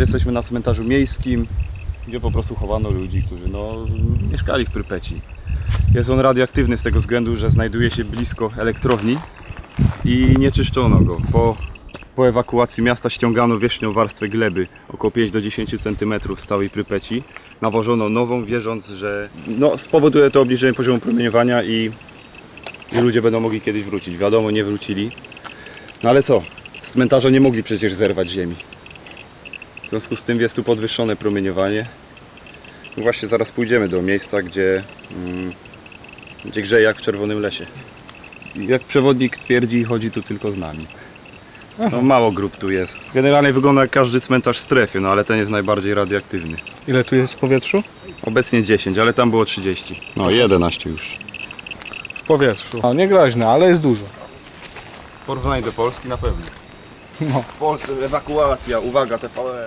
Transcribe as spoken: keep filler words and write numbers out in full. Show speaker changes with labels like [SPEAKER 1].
[SPEAKER 1] jesteśmy na cmentarzu miejskim, gdzie po prostu chowano ludzi, którzy no, mieszkali w Prypeci. Jest on radioaktywny z tego względu, że znajduje się blisko elektrowni i nie czyszczono go. Po, po ewakuacji miasta ściągano wierzchnią warstwę gleby, około pięć do dziesięciu centymetrów z całej Prypeci. Nawożono nową, wierząc, że no, spowoduje to obniżenie poziomu promieniowania i, i ludzie będą mogli kiedyś wrócić. Wiadomo, nie wrócili. No ale co? Z cmentarza nie mogli przecież zerwać ziemi. W związku z tym jest tu podwyższone promieniowanie. No właśnie zaraz pójdziemy do miejsca, gdzie, mm, gdzie grzeje jak w czerwonym lesie. Jak przewodnik twierdzi, chodzi tu tylko z nami. No, mało grup tu jest. Generalnie wygląda jak każdy cmentarz w strefie, no ale ten jest najbardziej radioaktywny.
[SPEAKER 2] Ile tu jest w powietrzu?
[SPEAKER 1] Obecnie dziesięć, ale tam było trzydzieści. No jedenaście już.
[SPEAKER 2] W powietrzu. No niegroźne, ale jest dużo.
[SPEAKER 1] W porównaniu do Polski na pewno.
[SPEAKER 2] No.
[SPEAKER 1] W Polsce ewakuacja, uwaga, T V E.